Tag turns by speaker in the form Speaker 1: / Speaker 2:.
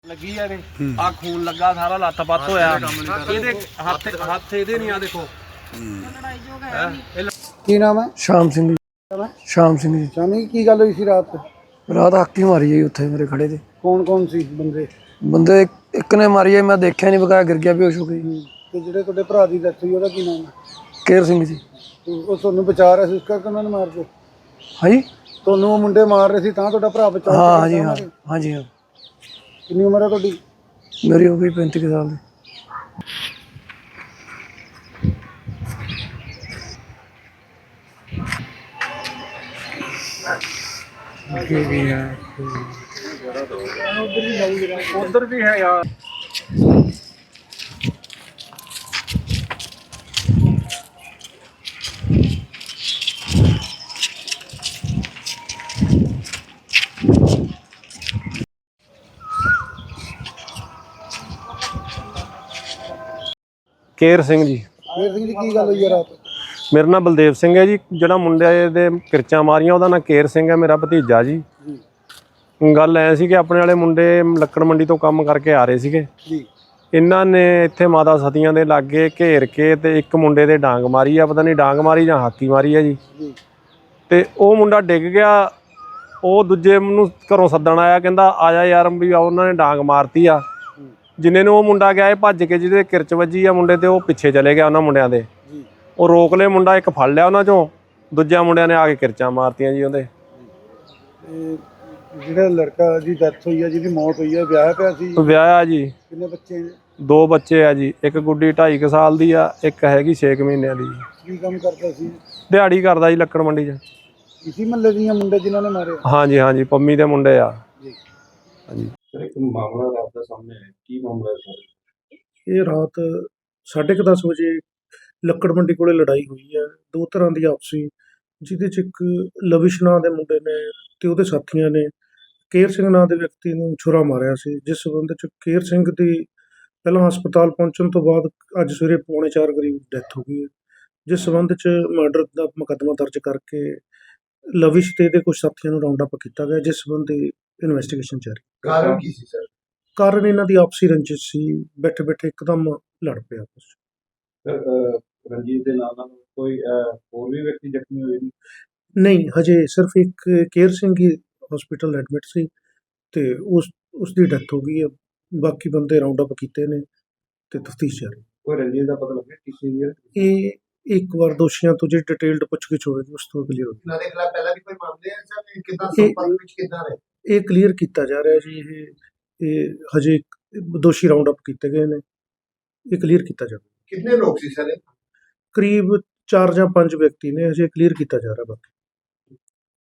Speaker 1: ਲੱਗੀ ਆ ਇਹਦੇ ਆ ਖੂਨ ਲੱਗਾ ਸਾਰਾ ਲੱਤ ਪੱਤ ਹੋਇਆ ਇਹਦੇ ਹੱਥ ਇਹਦੇ ਨਹੀਂ ਆ ਦੇਖੋ
Speaker 2: ਕੀ ਨਾਮ ਹੈ?
Speaker 3: ਸ਼ਾਮ ਸਿੰਘ ਜੀ। ਸ਼ਾਮ ਸਿੰਘ ਜੀ।
Speaker 2: ਸ਼ਾਮੀ ਕੀ ਗੱਲ ਹੋਈ ਸੀ ਰਾਤ?
Speaker 3: ਰਾਤ ਹਾਕੀ ਮਾਰੀ ਜੀ ਉੱਥੇ ਮੇਰੇ ਖੜੇ ਤੇ।
Speaker 2: ਕੌਣ ਸੀ ਬੰਦੇ?
Speaker 3: ਬੰਦੇ ਇੱਕ ਨੇ ਮਾਰੀ ਹੈ, ਮੈਂ ਦੇਖਿਆ ਨਹੀਂ, ਬਕਾਇਆ ਗਿਰ ਗਿਆ, ਬੇਹੋਸ਼ ਹੋ ਗਈ।
Speaker 2: ਤੇ ਜਿਹੜੇ ਤੁਹਾਡੇ ਭਰਾ ਦੀ ਡੈਥ ਹੋਈ ਉਹਦਾ ਕੀ ਨਾਮ ਹੈ?
Speaker 3: ਕੇਰ ਸਿੰਘ ਜੀ।
Speaker 2: ਉਹ ਤੁਹਾਨੂੰ ਬਚਾ ਰਿਹਾ ਸੀ ਇਸ ਕਰਕੇ ਉਹਨਾਂ ਨੇ ਮਾਰ ਕੇ?
Speaker 3: ਹਾਂਜੀ,
Speaker 2: ਤੁਹਾਨੂੰ ਉਹ ਮੁੰਡੇ ਮਾਰ ਰਹੇ ਸੀ ਤਾਂ ਤੁਹਾਡਾ ਭਰਾ ਬਚਾ?
Speaker 3: ਹਾਂ ਹਾਂਜੀ ਹਾਂ ਹਾਂਜੀ ਹਾਂ।
Speaker 2: ਕਿੰਨੀ ਉਮਰ ਹੈ ਤੁਹਾਡੀ?
Speaker 3: ਮੇਰੀ ਹੋ ਗਈ 35 ਕੁ ਸਾਲ ਦੀ।
Speaker 1: ਉਧਰ ਵੀ ਹੈ ਯਾਰ।
Speaker 4: ਕੇਰ ਸਿੰਘ ਜੀ।
Speaker 2: ਕੇਰ ਸਿੰਘ ਜੀ ਕੀ ਗੱਲ ਹੋਈ ਹੈ ਰਾਤ?
Speaker 4: ਮੇਰਾ ਨਾਮ ਬਲਦੇਵ ਸਿੰਘ ਹੈ ਜੀ। ਜਿਹੜਾ ਮੁੰਡੇ ਦੇ ਕਿਰਚਾਂ ਮਾਰੀਆਂ ਉਹਦਾ ਨਾਂ ਕੇਰ ਸਿੰਘ ਹੈ, ਮੇਰਾ ਭਤੀਜਾ ਜੀ। ਗੱਲ ਐ ਸੀ ਕਿ ਆਪਣੇ ਵਾਲੇ ਮੁੰਡੇ ਲੱਕੜ ਮੰਡੀ ਤੋਂ ਕੰਮ ਕਰਕੇ ਆ ਰਹੇ ਸੀਗੇ
Speaker 2: ਜੀ।
Speaker 4: ਇਹਨਾਂ ਨੇ ਇੱਥੇ ਮਾਤਾ ਸਤੀਆਂ ਦੇ ਲਾਗੇ ਘੇਰ ਕੇ ਤੇ ਇੱਕ ਮੁੰਡੇ ਦੇ ਡਾਂਗ ਮਾਰੀ ਆ, ਪਤਾ ਨਹੀਂ ਡਾਂਗ ਮਾਰੀ ਜਾਂ ਹਾਕੀ ਮਾਰੀ ਆ ਜੀ। ਤੇ ਉਹ ਮੁੰਡਾ ਡਿੱਗ ਗਿਆ। ਉਹ ਦੂਜੇ ਨੂੰ ਘਰੋਂ ਸੱਦਣ ਆਇਆ, ਕਹਿੰਦਾ ਆ ਜਾ ਯਾਰ ਵੀ ਉਹਨਾਂ ਨੇ ਡਾਂਗ ਮਾਰਤੀ ਆ। ਜਿੰਨੇ ਨੂੰ ਉਹ ਮੁੰਡਾ ਗਿਆ ਇਹ ਭੱਜ ਕੇ, ਜਿਹਦੇ ਕਿਰਚ ਵੱਜੀ ਆ ਮੁੰਡੇ ਤੇ, ਉਹ ਪਿੱਛੇ ਚਲੇ ਗਿਆ ਉਹਨਾਂ ਮੁੰਡਿਆਂ ਦੇ। ਉਹ ਰੋਕ ਲਏ ਮੁੰਡਾ, ਇੱਕ ਫੜ ਲਿਆ ਉਹਨਾਂ ਚੋਂ, ਦੂਜਿਆਂ ਮੁੰਡਿਆਂ ਨੇ ਆ ਕੇ ਕਿਰਚਾਂ ਮਾਰਤੀਆਂ ਜੀ ਉਹਦੇ।
Speaker 2: ਜਿਹੜਾ ਲੜਕਾ ਦੀ ਡੈਥ ਹੋਈ ਹੈ, ਜਿਹਦੀ ਮੌਤ ਹੋਈ ਹੈ, ਵਿਆਹਿਆ ਪਿਆ ਸੀ?
Speaker 4: ਵਿਆਹਿਆ ਜੀ।
Speaker 2: ਕਿੰਨੇ ਬੱਚੇ ਨੇ?
Speaker 4: 2 ਬੱਚੇ ਆ ਜੀ। ਇੱਕ ਗੁੱਡੀ 2.5 ਸਾਲ ਦੀ ਆ, ਇੱਕ ਹੈਗੀ 6 ਮਹੀਨਿਆਂ ਦੀ।
Speaker 2: ਕੀ ਕੰਮ ਕਰਦਾ ਸੀ?
Speaker 4: ਦਿਹਾੜੀ ਕਰਦਾ ਜੀ ਲੱਕੜ ਮੰਡੀ 'ਚ।
Speaker 2: ਇਸੀ ਮਹੱਲੇ ਦੀਆਂ ਮੁੰਡੇ ਜਿਨ੍ਹਾਂ ਨੇ ਮਾਰੇ?
Speaker 4: ਹਾਂਜੀ ਹਾਂਜੀ, ਪੰਮੀ ਦੇ ਮੁੰਡੇ ਆ। ਹਾਂਜੀ।
Speaker 5: ਇੱਕ ਮਾਮਲਾ ਰਾਤ ਦਾ ਸਾਹਮਣੇ ਆਇਆ, ਕੀ ਮਾਮਲਾ ਹੈ?
Speaker 6: ਇਹ ਰਾਤ 10:30 ਵਜੇ ਲੱਕੜ ਮੰਡੀ ਕੋਲੇ ਲੜਾਈ ਹੋਈ ਹੈ, ਦੋ ਤਰ੍ਹਾਂ ਦੀ ਆਪਸੀ, ਜਿਹਦੇ 'ਚ ਇੱਕ ਲਵਿਸ਼ ਨਾਂ ਦੇ ਮੁੰਡੇ ਨੇ ਤੇ ਉਹਦੇ ਸਾਥੀਆਂ ਨੇ ਕੇਰ ਸਿੰਘ ਨਾਂ ਦੇ ਵਿਅਕਤੀ ਨੂੰ ਛੁਰਾ ਮਾਰਿਆ ਸੀ, ਜਿਸ ਸੰਬੰਧ 'ਚ ਕੇਰ ਸਿੰਘ ਦੀ ਪਹਿਲਾਂ ਹਸਪਤਾਲ ਪਹੁੰਚਣ ਤੋਂ ਬਾਅਦ ਅੱਜ ਸਵੇਰੇ 3:45 ਕਰੀਬ ਡੈਥ ਹੋ ਗਈ ਹੈ, ਜਿਸ ਸੰਬੰਧ 'ਚ ਮਰਡਰ ਦਾ ਮੁਕੱਦਮਾ ਦਰਜ ਕਰਕੇ ਲਵਿਸ਼ ਤੇ ਇਹਦੇ ਕੁਝ ਸਾਥੀਆਂ ਨੂੰ ਰਾਉਂਡ ਅਪ ਕੀਤਾ ਗਿਆ, ਜਿਸ ਸੰਬੰਧੀ ਇਨਵੈਸਟੀਗੇਸ਼ਨ ਜਾਰੀ।
Speaker 5: ਕਾਰਨ ਕੀ ਸੀ ਸਰ?
Speaker 6: ਕਾਰਨ ਇਹਨਾਂ ਦੀ ਆਪਸੀ ਰੰਜਿਸ਼ ਸੀ, ਬੈਠੇ ਬੈਠੇ ਇੱਕਦਮ ਲੜ ਪਏ ਆਪਸ 'ਚ।
Speaker 5: ਰਣਜੀਤ ਦੇ ਨਾਲ ਕੋਈ ਹੋਰ ਵੀ ਵਿਅਕਤੀ ਜ਼ਖਮੀ ਹੋਏ ਨੇ?
Speaker 6: ਨਹੀਂ, ਹਜੇ ਸਿਰਫ ਇੱਕ ਕੇਰ ਸਿੰਘ ਹੀ ਹਸਪੀਟਲ ਐਡਮਿਟ ਸੀ ਤੇ ਉਸ ਦੀ ਡੈਥ ਹੋ ਗਈ ਹੈ। ਬਾਕੀ ਬੰਦੇ ਰਾਉਂਡ ਅਪ ਕੀਤੇ ਨੇ ਤੇ ਤਫਤੀਸ਼ ਜਾਰੀ।
Speaker 5: ਕੋਈ ਰਣਜੀਤ ਦਾ ਪਤਾ ਲੱਗਿਆ ਕਿਸੇ ਦੀ?
Speaker 6: ਇਹ ਇੱਕ ਵਾਰ ਦੋਸ਼ੀਆਂ ਤੋਂ ਜਿਹੜੀ ਡਿਟੇਲਡ ਪੁੱਛਗਿੱਛ ਹੋਵੇਗੀ ਉਸ ਤੋਂ ਕਲੀਅਰ ਹੋਵੇਗੀ।
Speaker 5: ਇਹਨਾਂ ਦੇ ਖਿਲਾਫ ਪਹਿਲਾਂ ਵੀ ਕੋਈ ਮਾਮਲੇ ਹੈ ਸਰ? ਕਿੱਦਾਂ ਸੰਪਰਕ ਵਿੱਚ ਕਿੱਦਾਂ ਰਹੇ?
Speaker 6: ਇਹ ਕਲੀਅਰ ਕੀਤਾ ਜਾ ਰਿਹਾ ਜੀ। ਇਹ ਹਜੇ ਦੋਸ਼ੀ ਰਾਉਂਡ ਅਪ ਕੀਤੇ ਗਏ ਨੇ, ਇਹ ਕਲੀਅਰ ਕੀਤਾ ਜਾਵੇ।
Speaker 5: ਕਿੰਨੇ ਲੋਕ ਸੀ ਸਰ?
Speaker 6: ਕਰੀਬ 4 ਜਾਂ 5 ਵਿਅਕਤੀ ਨੇ, ਹਜੇ ਕਲੀਅਰ ਕੀਤਾ ਜਾ ਰਿਹਾ ਬਾਕੀ।